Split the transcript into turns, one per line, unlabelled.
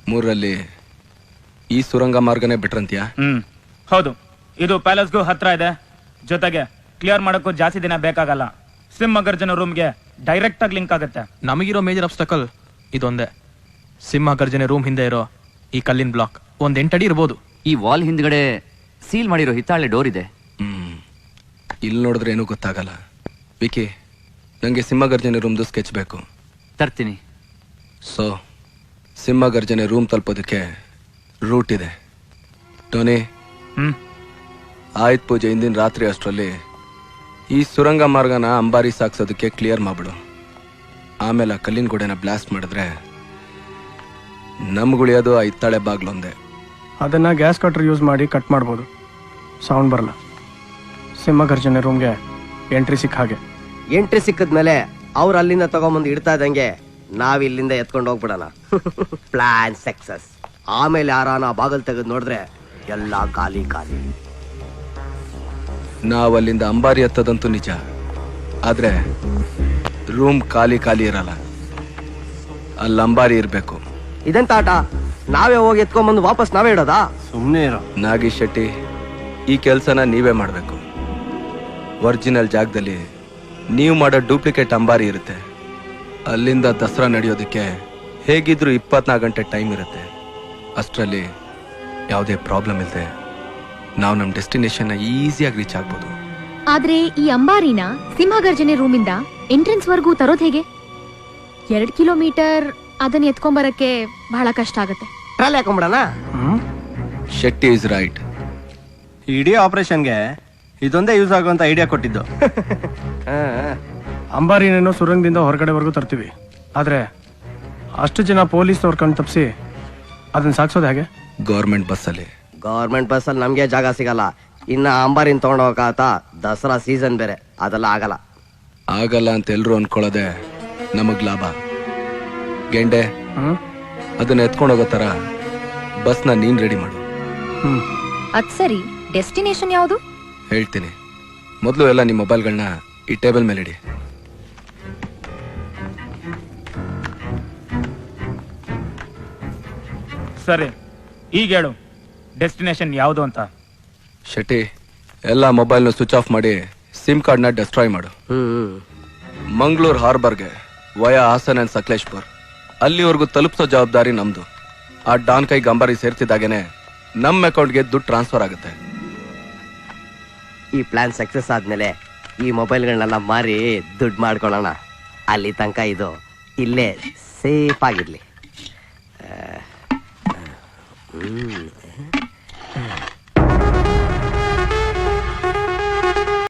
ಮೂರರಲ್ಲಿ ಈ ಸುರಂಗ ಮಾರ್ಗನೇ ಬಿಟ್ರಂತ್ಯಾ?
ಹೌದು, ಇದು ಪ್ಯಾಲೇಸ್ಗೂ ಹತ್ರ ಇದೆ. ಜೊತೆಗೆ ಕ್ಲಿಯರ್ ಮಾಡೋಕ್ಕೂ ಜಾಸ್ತಿ ದಿನ ಬೇಕಾಗಲ್ಲ. ಸಿಂಹಗರ್ಜನ ರೂಮ್ಗೆ ಡೈರೆಕ್ಟ್ ಆಗಿ ಲಿಂಕ್ ಆಗುತ್ತೆ.
ನಮಗಿರೋ ಮೇಜರ್ ಅಬ್ಸ್ಟಕಲ್ ಇದೊಂದೇ. ಸಿಂಹಗರ್ಜನೆ ರೂಮ್ ಹಿಂದೆ ಇರೋ ಈ ಕಲ್ಲಿನ ಬ್ಲಾಕ್ ಒಂದ್ 8 ಅಡಿ ಇರ್ಬೋದು.
ಈ ವಾಲ್ ಹಿಂದ್ಗಡೆ ಸೀಲ್ ಮಾಡಿರೋ ಹಿತ್ತಾಳೆ ಡೋರ್ ಇದೆ.
ಇಲ್ಲಿ ನೋಡಿದ್ರೆ ಏನೂ ಗೊತ್ತಾಗಲ್ಲ. ವಿಕಿ, ನಂಗೆ ಸಿಂಹಗರ್ಜನೆ ರೂಮ್ದು ಸ್ಕೆಚ್ ಬೇಕು.
ತರ್ತೀನಿ.
ಸೊ ಸಿಂಹಗರ್ಜನೆ ರೂಮ್ ತಲುಪೋದಕ್ಕೆ ರೂಟ್ ಇದೆ. ಟೋನಿ, ಆಯುಧ ಪೂಜೆ ಹಿಂದಿನ ರಾತ್ರಿ ಅಷ್ಟರಲ್ಲಿ ಈ ಸುರಂಗ ಮಾರ್ಗನ ಅಂಬಾರಿ ಸಾಕ್ಸೋದಕ್ಕೆ ಕ್ಲಿಯರ್ ಮಾಡ್ಬಿಡು. ಆಮೇಲೆ ಆ ಕಲ್ಲಿನ ಗೋಡೆನ ಬ್ಲಾಸ್ಟ್ ಮಾಡಿದ್ರೆ ನಮ್ಗುಳಿಯೋದು ಆ ಹಿತ್ತಾಳೆ ಬಾಗ್ಲೊಂದೇ.
ಅದನ್ನ ಗ್ಯಾಸ್ ಕಟ್ರ್ ಯೂಸ್ ಮಾಡಿ ಕಟ್ ಮಾಡ್ಬೋದು, ಸೌಂಡ್ ಬರಲ್ಲ. ಸಿಂಹಗರ್ಜನೆ ರೂಮ್ಗೆ ಎಂಟ್ರಿ ಸಿಕ್ಕ ಹಾಗೆ.
ಎಂಟ್ರಿ ಸಿಕ್ಕದ್ಮೇಲೆ ಅವ್ರು ಅಲ್ಲಿಂದ ತಗೊಂಬಂದು ಇಡ್ತಾ ಇದ್ದಂಗೆ ನಾವ್ ಇಲ್ಲಿಂದ ಎತ್ಕೊಂಡು ಹೋಗ್ಬಿಡೋಣ. Plan success. ಆಮೇಲೆ ಯಾರಾನ ಬಾಗಲ್ ತೆಗೆದು ನೋಡಿದ್ರೆ ಎಲ್ಲ ಖಾಲಿ ಖಾಲಿ.
ನಾವು ಅಲ್ಲಿಂದ ಅಂಬಾರಿ ಹತ್ತದಂತೂ ನಿಜ, ಆದ್ರೆ ರೂಮ್ ಖಾಲಿ ಖಾಲಿ ಇರಲ್ಲ. ಅಲ್ಲಿ ಅಂಬಾರಿ ಇರಬೇಕು.
ಇದೆಂತ ಆಟ? ನಾವೇ ಹೋಗಿ ಎತ್ಕೊಂಡ್ಬಂದು ವಾಪಸ್ ನಾವೇ ಇಡೋದಾ?
ಸುಮ್ಮನೆ ಇರೋ.
ನಾಗೇಶ್ ಶೆಟ್ಟಿ, ಈ ಕೆಲಸನ ನೀವೇ ಮಾಡಬೇಕು. ಒರಿಜಿನಲ್ ಜಾಗದಲ್ಲಿ ನೀವು ಮಾಡೋ ಡೂಪ್ಲಿಕೇಟ್ ಅಂಬಾರಿ ಇರುತ್ತೆ. ಅಲ್ಲಿಂದ ದಸರಾ ನಡೆಯೋದಕ್ಕೆ ಹೇಗಿದ್ರು 24 ಗಂಟೆ ಟೈಮ್ ಇರುತ್ತೆ. ಅಷ್ಟರಲ್ಲಿ ಯಾವುದೇ ಪ್ರಾಬ್ಲಮ್ ಇಲ್ಲದೆ ನಾವು ನಮ್ಮ ಡೆಸ್ಟಿನೇಷನ್ನ ಈಸಿಯಾಗಿ ರೀಚ್ ಆಗ್ಬೋದು.
ಆದ್ರೆ ಈ ಅಂಬಾರಿನ ಸಿಂಹಗರ್ಜನೆ ರೂಮಿಂದ ಎಂಟ್ರೆನ್ಸ್ ವರ್ಗೂ ತರೋದ್ ಹೇಗೆ? 2 ಕಿಲೋಮೀಟರ್ ಅದನ್ನ ಎತ್ಕೊಂಬರಕ್ಕೆ ಬಹಳ ಕಷ್ಟ ಆಗುತ್ತೆ.
ಟ್ರಾಲಿ ಹಾಕೊಂಡ್ಬಿಡೋಣ.
Shetty is right.
ಇಡೀ ಆಪರೇಷನ್ಗೆ ಇದೊಂದೇ ಯೂಸ್ ಆಗುವಂತ ಐಡಿಯಾ ಕೊಟ್ಟಿದ್ದು. ಅಂಬಾರಿನೇನೋ ಸುರಂಗದಿಂದ ಹೊರಗಡೆವರೆಗೂ ತರ್ತೀವಿ, ಆದ್ರೆ ಅಷ್ಟು ಜನ ಪೊಲೀಸ್ನವ್ರ ಕಣ್ ತಪ್ಪಿಸಿ ಅದನ್ನ ಸಾಕ್ಸೋದು ಹೇಗೆ?
ಗೌರ್ಮೆಂಟ್ ಬಸ್ಸಲ್ಲಿ.
ಗೌರ್ಮೆಂಟ್ ಬಸ್ಸಲ್ಲಿ ನಮ್ಗೆ ಜಾಗ ಸಿಗಲ್ಲ. ಇನ್ನ ಅಂಬಾರಿನ ತಗೊಂಡೋಗಾತ, ದಸರಾ ಸೀಸನ್ ಬೇರೆ, ಅದೆಲ್ಲ ಆಗಲ್ಲ.
ಆಗಲ್ಲ ಅಂತ ಎಲ್ರು ಅನ್ಕೊಳ್ಳೋದೆ ನಮಗ್ ಲಾಭ. ಗೆಂಡೆ, ಅದನ್ನ ಎತ್ಕೊಂಡು ಹೋಗೋ ತರ ಬಸ್ನ ನೀನ್ ರೆಡಿ ಮಾಡು.
ಅದ್ ಸರಿ, ಡೆಸ್ಟಿನೇಷನ್ ಯಾವುದು?
ಹೇಳ್ತೀನಿ. ಮೊದಲು ಎಲ್ಲ ನಿಮ್ಮ ಮೊಬೈಲ್ಗಳನ್ನ ಈ ಟೇಬಲ್ ಮೇಲೆ ಇಡಿ.
ಸರಿ, ಈಗ ಹೇಳು ಡೆಸ್ಟಿನೇಷನ್ ಯಾವುದು ಅಂತ.
ಶೆಟ್ಟಿ, ಎಲ್ಲ ಮೊಬೈಲ್ನ ಸ್ವಿಚ್ ಆಫ್ ಮಾಡಿ ಸಿಮ್ ಕಾರ್ಡ್ನ ಡೆಸ್ಟ್ರಾಯ್ ಮಾಡು. ಮಂಗಳೂರು ಹಾರ್ಬರ್ಗೆ ವಯಾ ಹಾಸನ್ ಅಂಡ್ ಸಕಲೇಶ್ಪುರ್ ಅಲ್ಲಿವರೆಗೂ ತಲುಪಿಸೋ ಜವಾಬ್ದಾರಿ ನಮ್ದು. ಆ ಡಾನ್ ಕೈ ಗಂಬಾರಿ ಸೇರ್ತಿದ್ದಾಗೇನೆ ನಮ್ಮ ಅಕೌಂಟ್ಗೆ ದುಡ್ಡು ಟ್ರಾನ್ಸ್ಫರ್ ಆಗುತ್ತೆ.
ಈ ಪ್ಲಾನ್ ಸಕ್ಸಸ್ ಆದ್ಮೇಲೆ ಈ ಮೊಬೈಲ್ಗಳನ್ನೆಲ್ಲ ಮಾರಿ ದುಡ್ಡು ಮಾಡ್ಕೊಳ್ಳೋಣ. ಅಲ್ಲಿ ತನಕ ಇದು ಇಲ್ಲೇ ಸೇಫ್ ಆಗಿರ್ಲಿ.